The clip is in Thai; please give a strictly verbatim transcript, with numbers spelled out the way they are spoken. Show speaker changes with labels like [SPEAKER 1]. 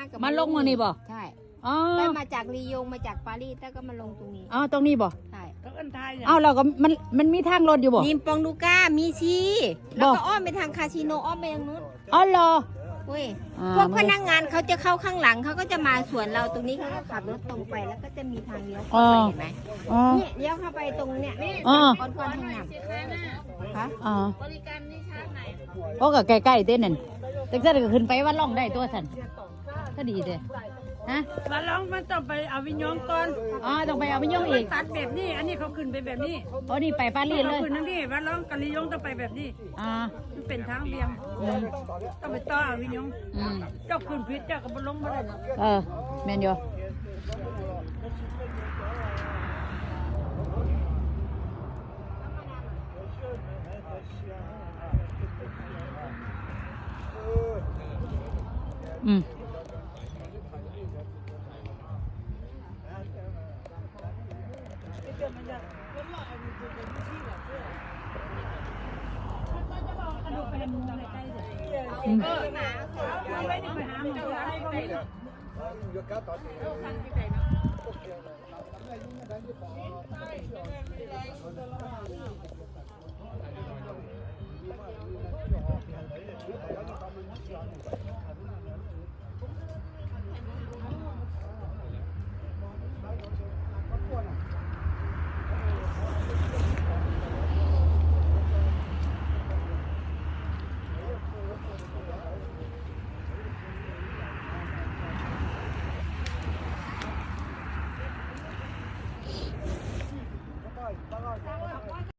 [SPEAKER 1] ก็
[SPEAKER 2] มาลงมานี่บ่
[SPEAKER 1] ใช่
[SPEAKER 2] อ๋อ
[SPEAKER 1] ได้มาจากลียงมาจากปารีสแล้วก็มาลงตรงนี้
[SPEAKER 2] อ๋อตรงนี้บ่
[SPEAKER 1] ใช่
[SPEAKER 3] เขาอันไทยเนี่ย
[SPEAKER 2] เอ้าเราก็มันมันมีทางรถอยู่บ่
[SPEAKER 1] นิมปองดูก้ามีชีแล้วก็อ้อมไปทางคาสิโนอ้อมไปทางนู้น
[SPEAKER 2] อ๋อเหรอ
[SPEAKER 1] เว้ยพวกพนักงานเขาจะเข้าข้างหลังเขาก็จะมาสวนเราตรงนี้เขาก็ขับรถตรงไปแล้วก็จะมีทางเลี้ยวเข้าไปเห็นไหมเนี่ยเลี้ยวเข้าไปตรงเนี่ยก้อนก้อนทางน้ำคะ
[SPEAKER 2] อ๋อบ
[SPEAKER 3] ริการนี่ชาติไหน
[SPEAKER 2] ก็ก็ใกล้ๆเต้นนั่นแต่จะก็ขึ้นไปว่าล่องได้ตัวสันก็ดีเด้ฮะ
[SPEAKER 3] มาลองมันต้องไปเอาวิญญาณก่อน
[SPEAKER 2] อ๋อต้องไปเอาไปย่องอีก
[SPEAKER 3] ตัดแบบนี้อันนี้เขาขึ้นไปแบบนี้
[SPEAKER 2] อ๋อนี่ไปปารีสเลย
[SPEAKER 3] เขาขึ้นนั่นนี่มาลองกะลิยงต้องไปแบบนี้
[SPEAKER 2] อ่า
[SPEAKER 3] มันเป็นทางเบี่ยงต้องไปต่อเอาวิญญาณเจ้าขึ้นผิดเจ้าก็บ่ลงมาได้
[SPEAKER 2] เออแมนอยู่อืมอืม